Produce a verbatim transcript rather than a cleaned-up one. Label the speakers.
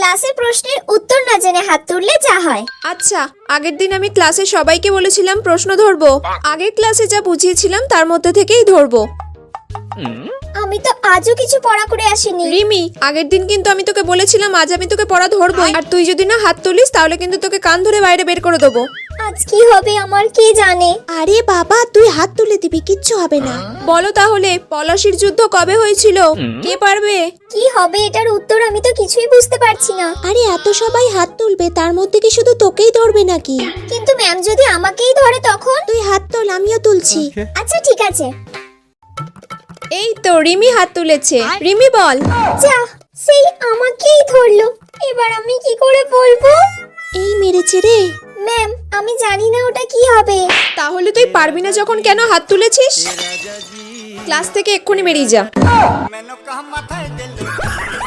Speaker 1: ক্লাসে প্রশ্নের উত্তর না জেনে হাত তুললে যা হয়।
Speaker 2: আচ্ছা, আগের দিন আমি ক্লাসে সবাইকে বলেছিলাম প্রশ্ন ধরবো। আগের ক্লাসে যা বুঝিয়েছিলাম তার মধ্যে থেকেই ধরবো।
Speaker 1: আমি তো আজও কিছু পড়া করে আসিনি।
Speaker 2: রিমি, আগের দিন কিন্তু আমি তোকে বলেছিলাম আজ আমি তোকে পড়া ধরবোই, আর তুই যদি না হাত তুলিস তাহলে কিন্তু তোকে কান ধরে বাইরে বের করে দেবো।
Speaker 1: আজ কি হবে আমার কে জানে।
Speaker 3: আরে বাবা, তুই হাত তুলে দিবি, কিচ্ছু হবে না।
Speaker 2: বলো তাহলে, পলাশির যুদ্ধ কবে হয়েছিল? কে পারবে?
Speaker 1: কি হবে এটার উত্তর আমি তো কিছুই বুঝতে পারছি না।
Speaker 3: আরে এত সবাই হাত তুলবে, তার মধ্যে কি শুধু তোকেই ধরবে নাকি?
Speaker 1: কিন্তু ম্যাম যদি আমাকেই ধরে তখন?
Speaker 3: তুই হাত তোল, আমিও তুলছি।
Speaker 1: আচ্ছা ঠিক আছে।
Speaker 2: এই তো রিমি হাত তুলেছে। রিমি বল।
Speaker 1: যা, সেই আমাকেই ধরলো। এবার আমি কি করে বলবো?
Speaker 3: এই মেরেছে রে।
Speaker 1: ম্যাম আমি জানি না ওটা কি হবে।
Speaker 2: তাহলে তুই পারবি না যখন কেন হাত তুলেছিস? ক্লাস থেকে এক্ষুনি বেরিয়ে যা।